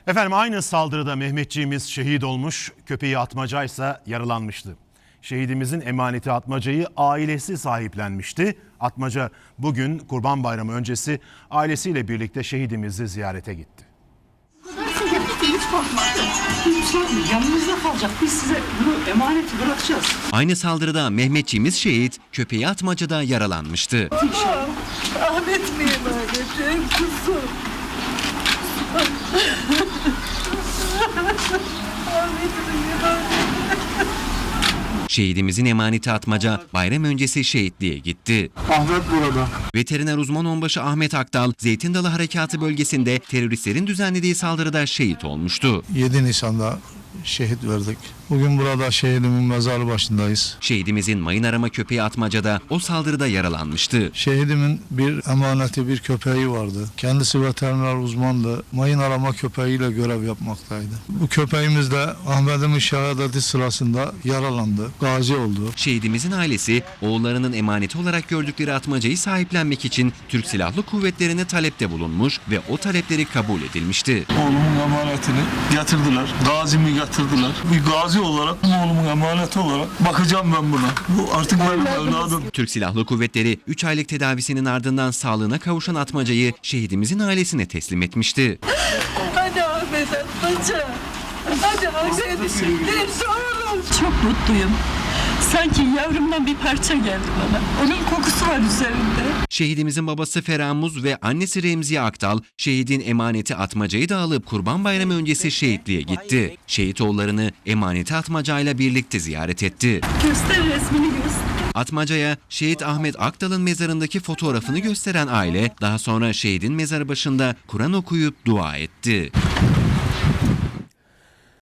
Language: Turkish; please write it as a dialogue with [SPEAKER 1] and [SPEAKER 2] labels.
[SPEAKER 1] Efendim aynı saldırıda Mehmetçiğimiz şehit olmuş, köpeği Atmaca ise yaralanmıştı. Şehidimizin emaneti Atmaca'yı ailesi sahiplenmişti. Atmaca bugün Kurban Bayramı öncesi ailesiyle birlikte şehidimizi ziyarete gitti.
[SPEAKER 2] Hiç korkma. Yanınızda kalacak. Biz size bunu emaneti bırakacağız.
[SPEAKER 3] Aynı saldırıda Mehmetçiğimiz şehit, köpeği Atmaca'da yaralanmıştı.
[SPEAKER 4] Ahmet mi emanet kuzum?
[SPEAKER 3] Şehidimizin emaneti Atmaca bayram öncesi şehitliğe gitti.
[SPEAKER 5] Ahmet burada.
[SPEAKER 3] Veteriner uzman onbaşı Ahmet Akdal, Zeytin Dalı Harekatı bölgesinde teröristlerin düzenlediği saldırıda şehit olmuştu.
[SPEAKER 5] 7 Nisan'da şehit verdik. Bugün burada şehidimin mezarı başındayız.
[SPEAKER 3] Şehidimizin mayın arama köpeği Atmaca'da o saldırıda yaralanmıştı.
[SPEAKER 5] Şehidimin bir emaneti, bir köpeği vardı. Kendisi veteriner uzmandı. Mayın arama köpeğiyle görev yapmaktaydı. Bu köpeğimiz de Ahmet'imin şehadeti sırasında yaralandı. Gazi oldu.
[SPEAKER 3] Şehidimizin ailesi oğullarının emaneti olarak gördükleri Atmaca'yı sahiplenmek için Türk Silahlı Kuvvetleri'ne talepte bulunmuş ve o talepleri kabul edilmişti.
[SPEAKER 5] Oğlumun emanetini getirdiler. Gazimi getirdiler. Bir gazi olarak, oğlumun emaneti olarak bakacağım ben buna. Bu artık benim evladım.
[SPEAKER 3] Türk Silahlı Kuvvetleri 3 aylık tedavisinin ardından sağlığına kavuşan Atmaca'yı şehidimizin ailesine teslim etmişti.
[SPEAKER 4] Hadi Ahmet Atmaca. Hadi Ahmet. Hepsi oğlum.
[SPEAKER 6] Çok mutluyum. Sanki yavrumdan bir parça geldi bana. Onun kokusu var üzerinde.
[SPEAKER 3] Şehidimizin babası Feramuz ve annesi Remziye Aktal, şehidin emaneti Atmaca'yı da alıp Kurban Bayramı öncesi şehitliğe gitti. Şehit oğullarını emaneti Atmaca'yla birlikte ziyaret etti.
[SPEAKER 6] Göster resmini göster.
[SPEAKER 3] Atmaca'ya şehit Ahmet Aktal'ın mezarındaki fotoğrafını gösteren aile, daha sonra şehidin mezarı başında Kur'an okuyup dua etti.